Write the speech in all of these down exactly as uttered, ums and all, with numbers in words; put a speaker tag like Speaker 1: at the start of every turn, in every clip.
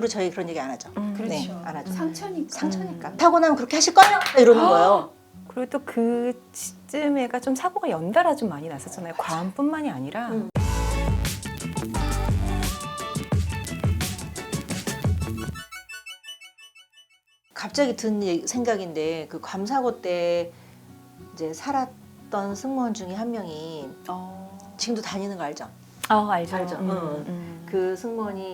Speaker 1: 이후로 저희 그런 얘기 안 하죠.
Speaker 2: 음,
Speaker 3: 그렇죠.
Speaker 1: 네, 안 하죠.
Speaker 3: 상처니까.
Speaker 1: 상처니까. 음. 타고 나면 그렇게 하실 거예요? 이러는 거예요.
Speaker 2: 그리고 또 그쯤에가 좀 사고가 연달아 좀 많이 났었잖아요. 과음뿐만이 아니라.
Speaker 1: 음. 갑자기 든 얘기- 생각인데 그 괌 사고 때 이제 살았던 승무원 중에 한 명이
Speaker 3: 어.
Speaker 1: 지금도 다니는 거 알죠?
Speaker 2: 아, 알죠.
Speaker 1: 알죠.
Speaker 2: 음,
Speaker 1: 응.
Speaker 2: 음.
Speaker 1: 그 승무원이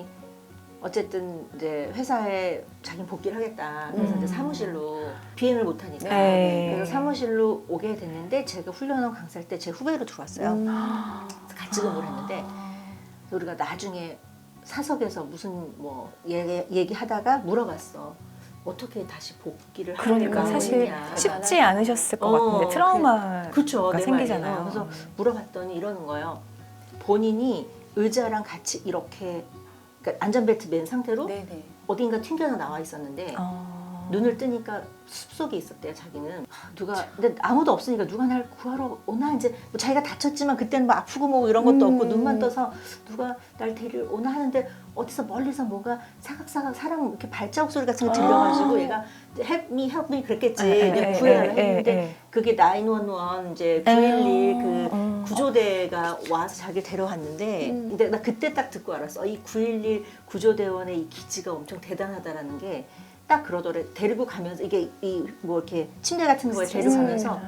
Speaker 1: 어쨌든 이제 회사에 자기는 복귀를 하겠다. 그래서
Speaker 2: 음.
Speaker 1: 이제 사무실로 비행을 못 하니까
Speaker 2: 네.
Speaker 1: 그래서 사무실로 오게 됐는데 제가 훈련원 강사할 때 제 후배로 들어왔어요.
Speaker 3: 음.
Speaker 1: 그래서 같이 근무를 했는데 우리가 나중에 사석에서 무슨 뭐 얘기, 얘기하다가 물어봤어. 어떻게 다시 복귀를
Speaker 2: 그러니까
Speaker 1: 하려고
Speaker 2: 사실
Speaker 1: 했냐.
Speaker 2: 쉽지 않으셨을 것
Speaker 1: 어,
Speaker 2: 같은데 트라우마가
Speaker 1: 그쵸, 내
Speaker 2: 생기잖아요.
Speaker 1: 말이에요. 그래서 물어봤더니 이러는 거예요. 본인이 의자랑 같이 이렇게 그러니까 안전벨트 맨 상태로
Speaker 3: 네네.
Speaker 1: 어딘가 튕겨서 나와 있었는데
Speaker 2: 어...
Speaker 1: 눈을 뜨니까 숲속에 있었대요. 자기는 하, 누가 근데 아무도 없으니까 누가 날 구하러 오나 이제 뭐 자기가 다쳤지만 그때는 뭐 아프고 뭐 이런 것도
Speaker 3: 음.
Speaker 1: 없고 눈만 떠서 누가 날 데리러 오나 하는데 어디서 멀리서 뭐가 사각사각 사람 이렇게 발자국 소리 같은 거 들려가지고
Speaker 3: 아.
Speaker 1: 얘가 help me help me 그랬겠지.
Speaker 2: 에, 에,
Speaker 1: 내가
Speaker 2: 에,
Speaker 1: 구해달라
Speaker 2: 에, 에,
Speaker 1: 했는데
Speaker 2: 에.
Speaker 1: 그게 구일일 이제 구일일 그
Speaker 2: 음.
Speaker 1: 구조대가 와서 자기를 데려왔는데
Speaker 3: 음.
Speaker 1: 근데 나 그때 딱 듣고 알았어. 이 구일일 구조대원의 이 기지가 엄청 대단하다라는 게 딱 그러더래. 데리고 가면서 이게 이 뭐 이렇게 침대 같은 거에 데리고 가면서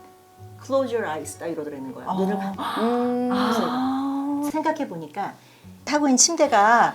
Speaker 1: close your eyes 딱 이러더라는 거야.
Speaker 2: 아.
Speaker 1: 눈을 감고.
Speaker 3: 음.
Speaker 2: 아.
Speaker 1: 생각해 보니까 타고 있는 침대가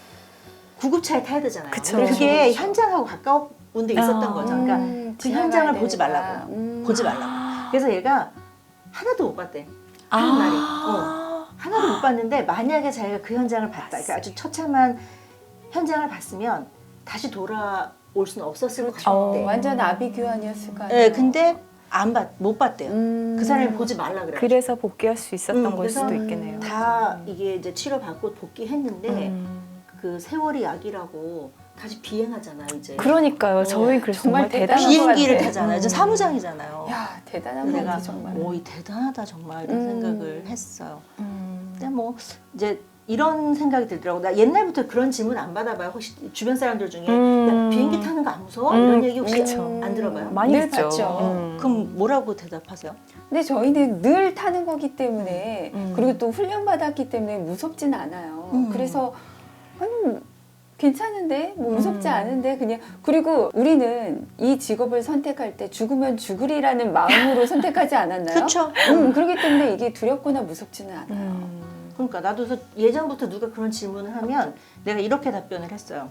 Speaker 1: 구급차에 타야 되잖아요.
Speaker 2: 그쵸.
Speaker 1: 근데 그게
Speaker 3: 그렇죠.
Speaker 1: 현장하고 가까운 데 있었던
Speaker 2: 아.
Speaker 1: 거죠. 그러니까
Speaker 3: 음,
Speaker 1: 그 현장을
Speaker 3: 지나가야
Speaker 1: 보지
Speaker 3: 되니까.
Speaker 1: 말라고.
Speaker 3: 음.
Speaker 1: 보지 말라고. 그래서 얘가 하나도 못 봤대. 하는 날이. 어. 하나도 못 봤는데 만약에 자기가 그 현장을 봤다. 그러니까 아주 처참한 현장을 봤으면 다시 돌아올 수는 없었을 것
Speaker 3: 그렇죠.
Speaker 1: 같대.
Speaker 3: 완전 아비규환이었을 거 아니에요.
Speaker 1: 네, 근데 안 봤, 못 봤대요.
Speaker 3: 음.
Speaker 1: 그 사람이 보지 말라 그래.
Speaker 2: 그래서 복귀할 수 있었던
Speaker 1: 음,
Speaker 2: 걸
Speaker 1: 그래서
Speaker 2: 수도 있겠네요.
Speaker 1: 다 이게 이제 치료받고 복귀했는데
Speaker 2: 음.
Speaker 1: 그 세월이 약이라고 다시 비행하잖아 이제.
Speaker 2: 그러니까요.
Speaker 1: 어,
Speaker 2: 저희 그래서 정말
Speaker 3: 정말
Speaker 2: 대단한
Speaker 3: 대단한
Speaker 2: 것
Speaker 1: 비행기를
Speaker 2: 같아요.
Speaker 1: 타잖아요. 저
Speaker 2: 음.
Speaker 1: 사무장이잖아요.
Speaker 3: 야 대단한
Speaker 1: 내가
Speaker 3: 거지 정말.
Speaker 1: 오, 이 대단하다 정말 이런
Speaker 3: 음.
Speaker 1: 생각을 했어요.
Speaker 2: 음.
Speaker 1: 근데 뭐 이제 이런 생각이 들더라고. 나 옛날부터 그런 질문 안 받아봐요. 혹시 주변 사람들 중에
Speaker 2: 음.
Speaker 1: 야, 비행기 타는 거 안 무서워?
Speaker 2: 음,
Speaker 1: 이런 얘기 혹시
Speaker 2: 그쵸.
Speaker 1: 안 들어봐요?
Speaker 2: 많이
Speaker 3: 늘
Speaker 2: 듣죠.
Speaker 3: 봤죠.
Speaker 2: 음.
Speaker 1: 그럼 뭐라고 대답하세요?
Speaker 3: 근데 저희는 늘 타는 거기 때문에
Speaker 2: 음.
Speaker 3: 그리고 또 훈련 받았기 때문에 무섭진 않아요.
Speaker 1: 음.
Speaker 3: 그래서 아니, 괜찮은데 뭐 무섭지
Speaker 2: 음.
Speaker 3: 않은데 그냥 그리고 우리는 이 직업을 선택할 때 죽으면 죽으리라는 마음으로 선택하지 않았나요?
Speaker 1: 그렇죠.
Speaker 3: 음, 그렇기 때문에 이게 두렵거나 무섭지는 않아요.
Speaker 2: 음.
Speaker 1: 그러니까 나도 그래서 예전부터 누가 그런 질문을 하면 내가 이렇게 답변을 했어요.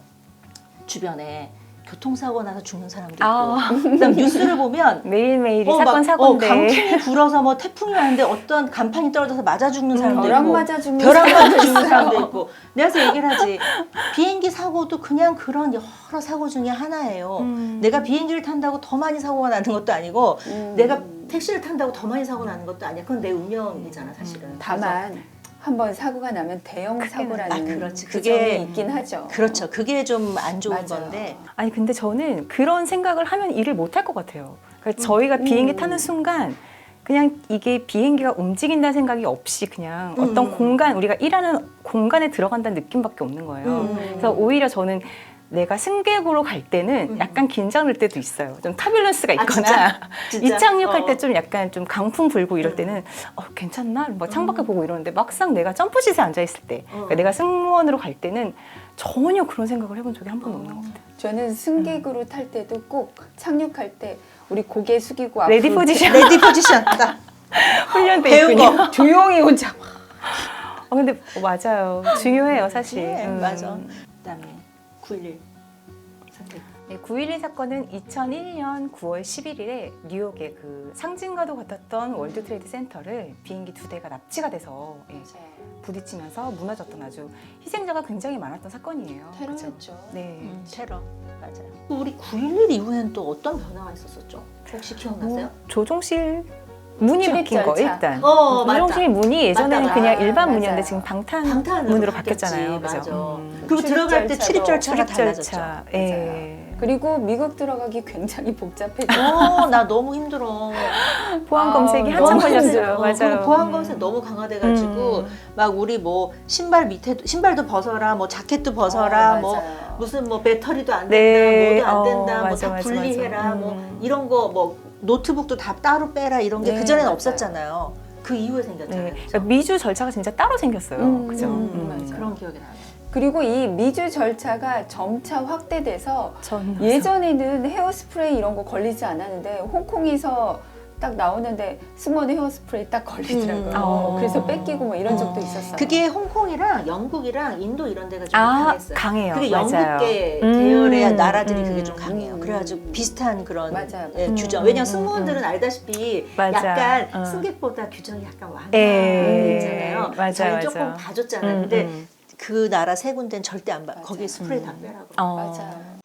Speaker 1: 주변에 교통사고 나서 죽는 사람도 있고
Speaker 2: 아.
Speaker 1: 그다음 뉴스를 보면
Speaker 2: 매일매일이
Speaker 1: 어,
Speaker 2: 사건
Speaker 1: 막,
Speaker 2: 사고인데.
Speaker 1: 어, 강풍이 불어서 뭐 태풍이 왔는데 어떤 간판이 떨어져서 맞아 죽는 사람도
Speaker 3: 벼락
Speaker 1: 있고
Speaker 3: 맞아 죽는
Speaker 1: 벼락 맞아
Speaker 3: 사람도
Speaker 1: 죽는
Speaker 3: 있어요.
Speaker 1: 사람도 있고 내가 그래서 얘기를 하지 비행기 사고도 그냥 그런 여러 사고 중에 하나예요.
Speaker 2: 음.
Speaker 1: 내가 비행기를 탄다고 더 많이 사고가 나는 것도 아니고
Speaker 3: 음.
Speaker 1: 내가 택시를 탄다고 더 많이 사고 나는 것도 아니야. 그건 내 운명이잖아 사실은.
Speaker 3: 다만 한번 사고가 나면 대형
Speaker 2: 크게
Speaker 3: 사고라는
Speaker 1: 아, 그렇지.
Speaker 3: 그
Speaker 1: 그게-
Speaker 3: 점이 있긴 하죠.
Speaker 1: 그렇죠. 그게 좀 안 좋은
Speaker 3: 맞아요.
Speaker 1: 건데
Speaker 2: 아니 근데 저는 그런 생각을 하면 일을 못 할 것 같아요. 그러니까 저희가 비행기
Speaker 3: 음.
Speaker 2: 타는 순간 그냥 이게 비행기가 움직인다는 생각이 없이 그냥
Speaker 1: 음.
Speaker 2: 어떤 공간 우리가 일하는 공간에 들어간다는 느낌밖에 없는 거예요.
Speaker 1: 음.
Speaker 2: 그래서 오히려 저는 내가 승객으로 갈 때는
Speaker 1: 음.
Speaker 2: 약간 긴장될 때도 있어요. 좀 터뷸런스가
Speaker 1: 아,
Speaker 2: 있거나
Speaker 1: 진짜? 진짜?
Speaker 2: 이착륙할
Speaker 1: 어.
Speaker 2: 때 좀 약간 좀 강풍 불고 이럴
Speaker 1: 음.
Speaker 2: 때는 어, 괜찮나? 막 창밖에 보고 이러는데 막상 내가 점프시트에 앉아 있을 때 그러니까
Speaker 1: 어.
Speaker 2: 내가 승무원으로 갈 때는 전혀 그런 생각을 해본 적이 한 번도
Speaker 1: 어.
Speaker 2: 없는 것 같아요.
Speaker 3: 저는 승객으로 탈 때도 꼭 착륙할 때 우리 고개 숙이고 앞으로
Speaker 2: 레디 포지션
Speaker 1: 레디 포지션 딱
Speaker 2: 훈련돼
Speaker 1: 배운
Speaker 2: 있군요.
Speaker 1: 거.
Speaker 3: 조용히 혼자
Speaker 2: 어, 근데 맞아요. 중요해요, 사실.
Speaker 1: 네,
Speaker 2: 음.
Speaker 1: 맞아. 그다음에 구일일 선택.
Speaker 2: 네, 구일일 사건은 이천일 년 구월 십일일에 뉴욕의 그 상징과도 같았던 월드 트레이드 센터를 비행기 두 대가 납치가 돼서 예, 부딪히면서 무너졌던 아주 희생자가 굉장히 많았던 사건이에요. 그죠?
Speaker 3: 테러였죠.
Speaker 2: 네.
Speaker 1: 음, 테러 맞아요. 우리 구일일 이후에는 또 어떤 변화가 있었었죠? 혹시 기억나세요?
Speaker 2: 뭐, 조종실 문이
Speaker 3: 출입
Speaker 2: 바뀐 거
Speaker 3: 절차.
Speaker 2: 일단.
Speaker 1: 어, 맞다.
Speaker 2: 조종실 문이 예전에는
Speaker 1: 맞다,
Speaker 2: 그냥
Speaker 3: 맞다.
Speaker 2: 일반
Speaker 3: 맞아요.
Speaker 2: 문이었는데 지금 방탄
Speaker 1: 방탄으로
Speaker 2: 문으로
Speaker 1: 바뀌었지.
Speaker 2: 바뀌었잖아요.
Speaker 1: 맞아.
Speaker 2: 그죠? 음.
Speaker 1: 그리고
Speaker 3: 출입
Speaker 1: 들어갈 때
Speaker 3: 절차도
Speaker 1: 출입 절차가
Speaker 2: 출입
Speaker 1: 달라졌죠.
Speaker 2: 절차.
Speaker 3: 맞아요.
Speaker 2: 예.
Speaker 3: 그 그리고 미국 들어가기 굉장히 복잡해져.
Speaker 1: 어, 나 너무 힘들어.
Speaker 2: 보안
Speaker 3: 아,
Speaker 2: 검색이
Speaker 3: 너무
Speaker 2: 한참
Speaker 1: 힘들어.
Speaker 2: 걸렸어요.
Speaker 1: 어,
Speaker 2: 맞아요.
Speaker 1: 그리고 보안
Speaker 2: 음.
Speaker 1: 검색 너무 강화돼가지고
Speaker 2: 음.
Speaker 1: 막 우리 뭐 신발 밑에 신발도 벗어라, 뭐 자켓도 벗어라,
Speaker 3: 어,
Speaker 1: 뭐
Speaker 3: 맞아요.
Speaker 1: 무슨 뭐 배터리도 안 된다,
Speaker 2: 네.
Speaker 1: 뭐도 안
Speaker 2: 어,
Speaker 1: 된다, 뭐
Speaker 2: 맞아,
Speaker 1: 다
Speaker 2: 맞아,
Speaker 1: 분리해라,
Speaker 2: 맞아.
Speaker 1: 뭐
Speaker 2: 음.
Speaker 1: 이런 거 뭐 노트북도 다 따로 빼라 이런 게
Speaker 3: 네,
Speaker 1: 그 전에는
Speaker 3: 맞아요.
Speaker 1: 없었잖아요. 그 이후에 생겼잖아요.
Speaker 2: 네.
Speaker 1: 그죠?
Speaker 2: 그러니까 미주 절차가 진짜 따로 생겼어요.
Speaker 3: 음,
Speaker 2: 그죠?
Speaker 1: 음,
Speaker 3: 음,
Speaker 1: 맞아요.
Speaker 3: 맞아요.
Speaker 1: 그런 기억이 나요.
Speaker 3: 그리고 이 미주 절차가 점차 확대돼서
Speaker 2: 전
Speaker 3: 예전에는 헤어스프레이 이런 거 걸리지 않았는데 홍콩에서 딱 나오는데 승무원 헤어스프레이 딱 걸리더라고요.
Speaker 1: 음.
Speaker 2: 어.
Speaker 3: 그래서 뺏기고 뭐 이런 적도
Speaker 2: 어.
Speaker 3: 있었어요.
Speaker 1: 그게 홍콩이랑 영국이랑 인도 이런 데가 좀
Speaker 2: 아,
Speaker 1: 강했어요.
Speaker 2: 강해요.
Speaker 1: 그게
Speaker 2: 맞아요.
Speaker 1: 영국계
Speaker 2: 음,
Speaker 1: 계열의 나라들이
Speaker 2: 음.
Speaker 1: 그게 좀 강해요.
Speaker 3: 음.
Speaker 1: 그래가지고 비슷한 그런
Speaker 3: 맞아요.
Speaker 1: 예,
Speaker 2: 음,
Speaker 1: 규정.
Speaker 2: 음,
Speaker 1: 왜냐면
Speaker 2: 음,
Speaker 1: 승무원들은 알다시피
Speaker 2: 맞아.
Speaker 1: 약간
Speaker 2: 어.
Speaker 1: 승객보다 규정이 약간
Speaker 2: 예.
Speaker 1: 완화되잖아요.
Speaker 2: 맞아,
Speaker 1: 저희
Speaker 2: 맞아.
Speaker 1: 조금 봐줬잖아요.
Speaker 2: 음,
Speaker 1: 근데
Speaker 2: 음.
Speaker 1: 그 나라 세 군데는 절대 안 봐.
Speaker 3: 맞아요.
Speaker 1: 거기에 스프레이 다
Speaker 3: 음.
Speaker 1: 빼라고.
Speaker 2: 어.
Speaker 3: 맞아요.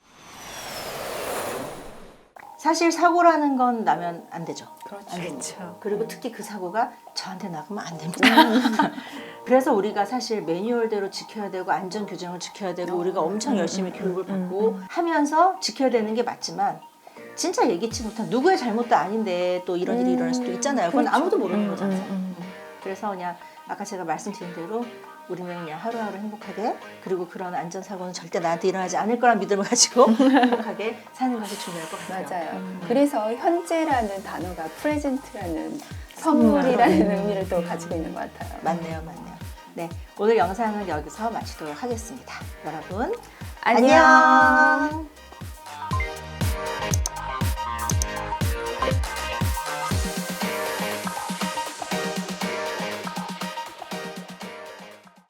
Speaker 1: 사실 사고라는 건 나면 안 되죠.
Speaker 3: 그렇죠.
Speaker 1: 안 됩니다.
Speaker 2: 그렇죠.
Speaker 1: 그리고 특히 그 사고가 저한테 나가면 안 됩니다. 그래서 우리가 사실 매뉴얼대로 지켜야 되고 안전 규정을 지켜야 되고 우리가 엄청 열심히 교육을 받고 하면서 지켜야 되는 게 맞지만 진짜 예기치 못한 누구의 잘못도 아닌데 또 이런 일이 일어날 수도 있잖아요. 그건
Speaker 3: 그렇죠.
Speaker 1: 아무도 모르는
Speaker 2: 음,
Speaker 1: 거잖아요.
Speaker 2: 음, 음.
Speaker 1: 그래서 그냥 아까 제가 말씀드린 대로 우리는 그냥 하루하루 행복하게 그리고 그런 안전사고는 절대 나한테 일어나지 않을 거란 믿음을 가지고 행복하게 사는 것이 중요할 것 같아요.
Speaker 3: 맞아요.
Speaker 2: 음.
Speaker 3: 그래서 현재라는 단어가 프레젠트라는 선물이라는
Speaker 2: 음.
Speaker 3: 의미를 또 가지고 있는 것 같아요.
Speaker 1: 맞네요, 맞네요. 네, 오늘 영상은 여기서 마치도록 하겠습니다. 여러분,
Speaker 3: 안녕.
Speaker 1: 안녕.